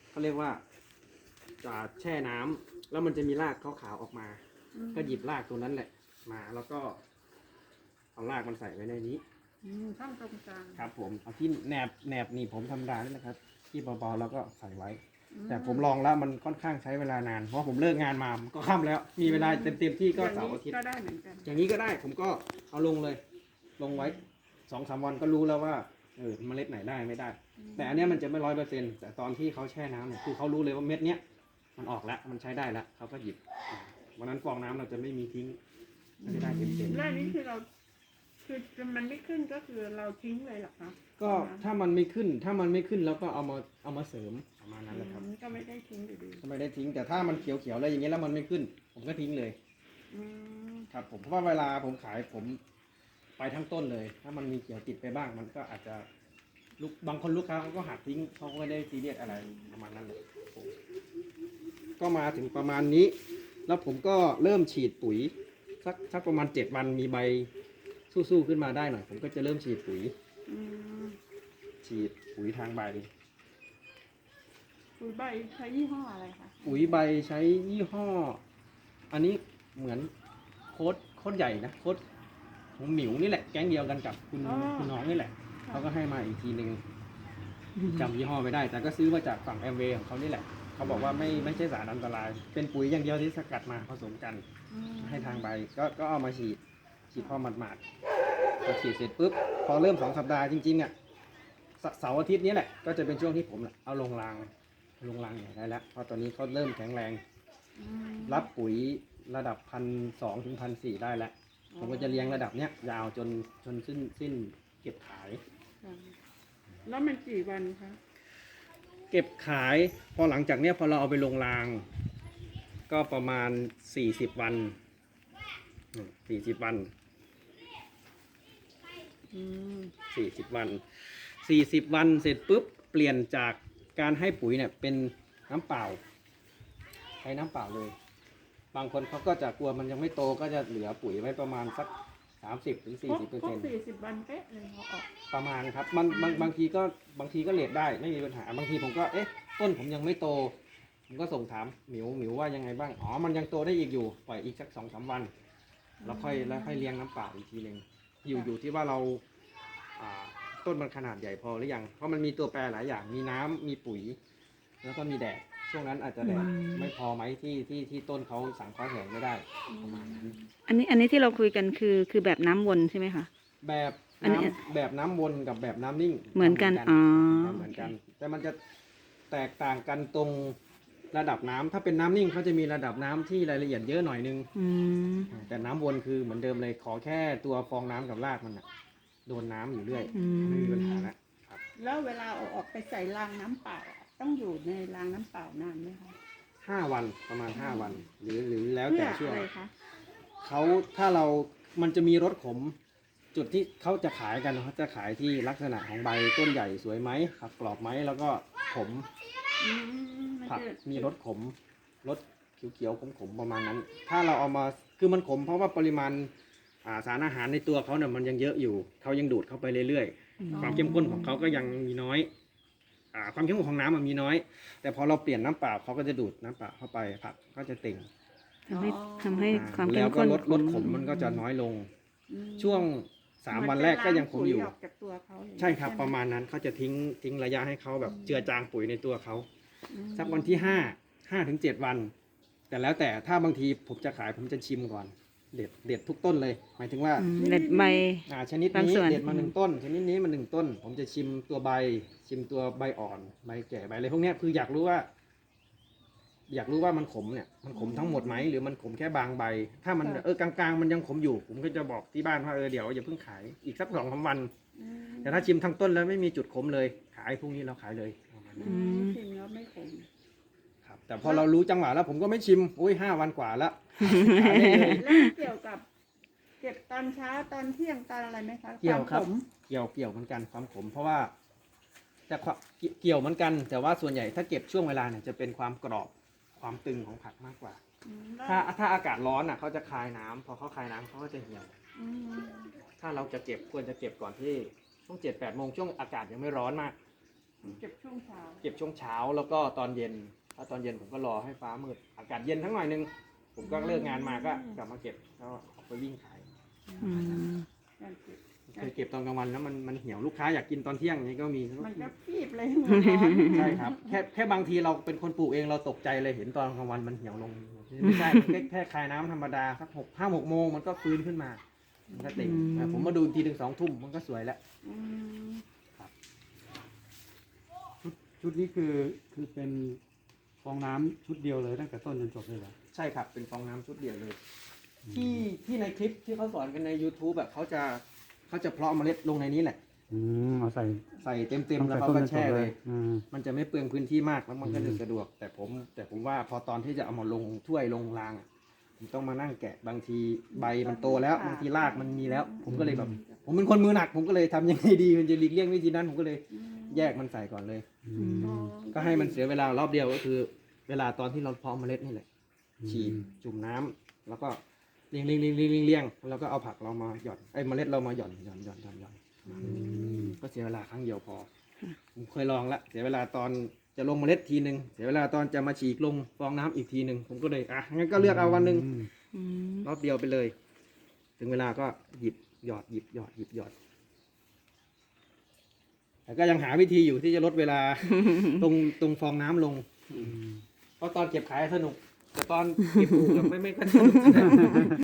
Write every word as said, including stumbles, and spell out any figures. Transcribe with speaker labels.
Speaker 1: เขาเรียกว่าจะแช่น้ำแล้วมันจะมีรากขาวๆออกมาก็หยิบรากตัวนั้นแหละมาแล้วก็เอารากมันใส่ไว้ในนี้
Speaker 2: ข้างตรงกลาง
Speaker 1: ครับผมเอาที่แหนบแหนบนี่ผมธรรมดานี่นะครับที่เบาๆแล้วก็ใส่ไว้แต่ผมลองแล้วมันค่อนข้างใช้เวลานานเพราะผมเลิกงานมาก็ค่ำแล้วมีเวลาเต็มๆที่ก็เสาร์อาทิตย์
Speaker 2: ก็ได้เหมือนกัน
Speaker 1: อย่างนี้ก็ได้ผมก็เอาลงเลยลงไว้สองสามวันก็รู้แล้วว่าเออเมล็ดไหนได้ไม่ได้ แต่อันนี้มันจะไม่ร้อยเปอร์เซ็นต์แต่ตอนที่เขาแช่น้ำเนี่ยคือเขารู้เลยว่าเม็ดเนี้ยมันออกแล้วมันใช้ได้แล้วเขาก็หยิบวันนั้นฟองน้ำเราจะไม่มีทิ้งมันจะได้เต็มเต็ม
Speaker 2: แล้วนี้คือเราคือมันไม่ขึ้นก็คือเราทิ้งเลยหรอคะ
Speaker 1: ก็ถ้ามันไม่ขึ้นถ้ามันไม่ขึ้นเราก็เอามาเอามาเสริมประมาณนั้นแหละครับ
Speaker 2: ก็ไม่ได้ทิ้งอยู่ดี
Speaker 1: ก็ไม่ได้ทิ้งแต่ถ้ามันเขียวๆอะไรอย่างเงี้ยแล้วมันไม่ขึ้นผมก็ทิ้งเลยครับผมเพราะว่าเวลาผมขายผมไปทั้งต้นเลยถ้ามันมีเขียวติดไปบ้างมันก็อาจจะลูกบางคนลูกค้าเขาก็หักทิ้งเขาก็ไม่ได้ซีเรียสอะไรประมาณนั้นเลยก็มาถึงประมาณนี้แล้วผมก็เริ่มฉีดปุ๋ยสักสักประมาณเจ็ดวันมีใบสู้ๆขึ้นมาได้หน่อยผมก็จะเริ่มฉีดปุ๋ยฉีดปุ๋ยทางใบ
Speaker 2: ปุ๋ยใบใช้ยี่ห้ออะไรคะ
Speaker 1: ปุ๋ยใบใช้ยี่ห้ออันนี้เหมือนโค้ดโค้ดใหญ่นะโค้ดของหมิวนี่แหละแก๊งเดียวกันกับคุณคุณน้องนี่แหละเขาก็ให้มาอีกทีหนึ่งจำยี่ห้อไม่ได้แต่ก็ซื้อมาจากฝั่งแอมเวย์ของเขานี่แหละเขาบอกว่าไม่ไม่ใช่สารอันตรายเป็นปุ๋ยอย่างเดียวที่สกัดมาผสมกันให้ทางใบก็ก็เอามาฉีดฉีดพอหมาดๆพอฉีดเสร็จปุ๊บพอเริ่มสองสัปดาห์จริงๆอ่ะเสาร์อาทิตย์นี้แหละก็จะเป็นช่วงที่ผมเอาลงรางลงรางใหญ่ได้แล้วเพราะตอนนี้เขาเริ่มแข็งแรงรับปุ๋ยระดับพันสองถึงพันสี่ได้แล้วผมก็จะเลี้ยงระดับเนี้ยยาวจนจนสิ้นสิ้นเก็บขาย
Speaker 2: แล้วมันกี่วันคะ
Speaker 1: เก็บขายพอหลังจากเนี้ยพอเราเอาไปลงรางก็ประมาณสี่สิบวันสี่สิบวันสี่สิบวันสี่สิบวันเสร็จปุ๊บเปลี่ยนจากการให้ปุ๋ยเนี่ยเป็นน้ำเปล่าใช้น้ำเปล่าเลยบางคนเขาก็จะกลัวมันยังไม่โตก็จะเหลือปุ๋ยไว้ประมาณสักสามสิบถึงสี่สิบเปอร์เซ็นต์
Speaker 2: สี่สิบวันเป๊ะเลยเขาออก
Speaker 1: ประมาณครับมันบางบางทีก็บางทีก็เลทได้ไม่มีปัญหาบางทีผมก็เอ๊ะต้นผมยังไม่โตผมก็ส่งถามหมิวหมิวว่ายังไงบ้างอ๋อมันยังโตได้อีกอยู่ปล่อยอีกสักสองสามวันแล้วค่อยแล้วค่อยเลี้ยงน้ำเปล่าอีกทีหนึ่งอยู่อยู่ที่ว่าเราต้นมันขนาดใหญ่พอหรือยังเพราะมันมีตัวแปรหลายอย่างมีน้ำมีปุ๋ยแล้วก็มีแดดช่วงนั้นอาจจะแดดไม่พอไหมที่ที่ที่ต้นเขาสังเคราะห์แสงไม่ได้ประมาณนั้น
Speaker 3: อันนี้อันนี้ที่เราคุยกันคือคือแบบน้ำวนใช่ไหมคะ
Speaker 1: แบบน้ำแบบน้ำวนกับแบบน้ำนิ่ง
Speaker 3: เหมือนกันอ๋อ
Speaker 1: เหมือนกันแต่มันจะแตกต่างกันตรงระดับน้ำถ้าเป็นน้ำนิ่งเขาจะมีระดับน้ำที่รายละเอียดเยอะหน่อยนึงแต่น้ำวนคือเหมือนเดิมเลยขอแค่ตัวฟองน้ำกับรากมันอะโดนน้ำอยู่เรื่อยไม่มีปัญหาแล้ว
Speaker 2: แล้วเวลาเอาออกไปใส่รางน้ำเปล่าต้องอยู่ในรางน้ำเปล่านานไหมคะ
Speaker 1: ห้าวันประมาณห้าวันหรือหรือแล้วแต่ช่วงเขาถ้าเรามันจะมีรสขมจุดที่เขาจะขายกันเขาจะขายที่ลักษณะของใบต้นใหญ่สวยไหมผักกรอบไหมแล้วก็ขมผักมีรสขมรสเขียวๆขมๆประมาณนั้นถ้าเราเอามาคือมันขมเพราะว่าปริมาณสารอาหารในตัวเขาเนี่ยมันยังเยอะอยู่เขายังดูดเข้าไปเรื่อยๆความเข้มข้นของเขาก็ยังมีน้อยความเข้มข้นของน้ำมันมีน้อยแต่พอเราเปลี่ยนน้ำเปล่าเขาก็จะดูดน้ำเปล่าเข้าไปผักก็จะเต่ง
Speaker 3: ทำให้ทำให้ความเข้
Speaker 1: ม
Speaker 3: ข้น
Speaker 1: แล้วก็ลดลดขมมันก็จะน้อยลงช่วงสามวันแรกก็ยังขมอยู่ใช่ครับประมาณนั้นเขาจะทิ้งทิ้งระยะให้เขาแบบเจือจางปุ๋ยในตัวเขาสักวันที่ห้าห้าถึงเจ็ดวันแต่แล้วแต่ถ้าบางทีผมจะขายผมจะชิมก่อนเด็ดเด็ดทุกต้นเลยหมายถึงว่า
Speaker 3: เด็ดใบ
Speaker 1: ชนิดนี้เด็ดมาหนึ่งต้นชนิดนี้มาหนึ่งต้นผมจะชิมตัวใบชิมตัวใบอ่อนใบแก่ใบอะไรพวกนี้คืออยากรู้ว่าอยากรู้ว่ามันขมเนี่ยมันขมทั้งหมดไหมหรือมันขมแค่บางใบถ้ามันเออกลางๆมันยังขมอยู่ผมก็จะบอกที่บ้านว่าเออเดี๋ยวอย่าเพิ่งขายอีกสักสองสามวันแต่ถ้าชิมทั้งต้นแล้วไม่มีจุดขมเลยขายพรุ่งนี้เราขายเลย
Speaker 2: ชิมแล้วไม่ขม
Speaker 1: ครับแต่พอเรารู้จังหวะแล้วผมก็ไม่ชิมอุ้ยห้าวันกว่าแล้ว
Speaker 2: แล้วเกี่ยวกับเก็บตอนเช้าตอนเที่ยงตอนอะไรไหมคะ
Speaker 1: เกี่ยวครับเกี่ยวเกี่ยวเหมือนกันความขมเพราะว่าแต่เกี่ยวเหมือนกันแต่ว่าส่วนใหญ่ถ้าเก็บช่วงเวลาเนี่ยจะเป็นความกรอบความตึงของผักมากกว่าถ้าถ้าอากาศร้อนอ่ะเขาจะคายน้ำพอเขาคายน้ำเขาก็จะเหี่ยวถ้าเราจะเก็บควรจะเก็บก่อนที่ช่วงเจ็ดแปดโมงช่วงอากาศยังไม่ร้อนมาก
Speaker 2: เก็บช่วงเช้า
Speaker 1: เก็บช่วงเช้าแล้วก็ตอนเย็นถ้าตอนเย็นผมก็รอให้ฟ้ามืดอากาศเย็นทั้งหน่อยนึงผมก็เลิกงานมาก็กลับมาเก็บแล้วออกไปวิ่งขาย
Speaker 3: อืม
Speaker 2: การเก็บ
Speaker 1: เคยเก็บตอนกลางวันแล้วมันมันเหี่ยวลูกค้าอยากกินตอนเที่ยงอย่างนี้ก็มี
Speaker 2: มันก็ฟีบเลยหัวร้อน
Speaker 1: ใช่ครับแค่แค่บางทีเราเป็นคนปลูกเองเราตกใจเลยเห็นตอนกลางวันมันเหี่ยวลงไม่ใช่แค่แค่คายน้ำธรรมดาสักหกห้าหกโมงมันก็ฟื้นขึ้นมามันก็เต็มอ่ะผมมาดูอีกทีถึงสองทุ่มมันก็สวยแล้ว
Speaker 2: อืม
Speaker 4: ชุดนี้คือคือเป็นฟองน้ำชุดเดียวเลยตั้งแต่ต้นจนจบเลยเหรอ
Speaker 1: ใช่ครับเป็นฟองน้ำชุดเดียวเลย ที่ที่ในคลิปที่เขาสอนกันใน YouTube แบบเขาจะเขาจะเพาะเมล็ดลงในนี้แหละ
Speaker 4: อืมเอาใส่
Speaker 1: ใส่เต็มเต็ม
Speaker 4: ตั้ง
Speaker 1: แล้ว
Speaker 4: แต่
Speaker 1: เขา
Speaker 4: ต้น
Speaker 1: ก็
Speaker 4: จนจ
Speaker 1: แช่
Speaker 4: บ
Speaker 1: เล
Speaker 4: เลย ยอืม
Speaker 1: มันจะไม่เปลืองพื้นที่มากแล้วมันก็จะ
Speaker 4: อืม
Speaker 1: สะดวก แต่ผม แต่ผมว่าพอตอนที่จะเอามาลงถ้วยลงรางอะผมต้องมานั่งแกะบางทีใบมันโตแล้วบางทีรากมันมีแล้ว ผมก็เลยแบบผมเป็นคนมือหนัก ผมก็เลยทำยังไงดีมันจะหลีกเลี่ยงวิธีนั้นผมก็เลยแยกมันใส่ก่อนเลย
Speaker 4: อืม
Speaker 2: อ๋อ
Speaker 1: ก็ให้มันเสียเวลารอบเดียวก็คือ เวลาตอนที่เราเพาะเมล็ดนี่แหละ ฉีดจุ่มน้ำแล้วก็เลี้ยงเลี้ยงเลี้ยงเลี้ยงเลี้ยงเลี้ยงแล้วก็เอาผักเรามาหย่อนไอ้เมล็ดเรามาหย่อนหย่อนหย่อนหย่อนหย่อน
Speaker 4: อืม
Speaker 1: ก็เสียเวลาครั้งเดียวพอผมเคยลองละเสียเวลาตอนจะลงเมล็ดทีหนึ่งเสียเวลาตอนจะมาฉีกลงฟองน้ำอีกทีหนึ่งผมก็เลยอ่ะงั้นก็เลือกเอาวันหนึ่ง
Speaker 3: อืม
Speaker 1: รอบเดียวไปเลย ถึงเวลาก็หยิบหยอดหยิบหยอดหยิบหยอดแต่ก็ยังหาวิธีอยู่ที่จะลดเวลา ตรงตรงฟองน้ำลง
Speaker 4: อืม
Speaker 1: เพราะตอนเก็บขายสนุก แต่ตอนเก็บปลูกอะไม่ไม่ค่อยสนุก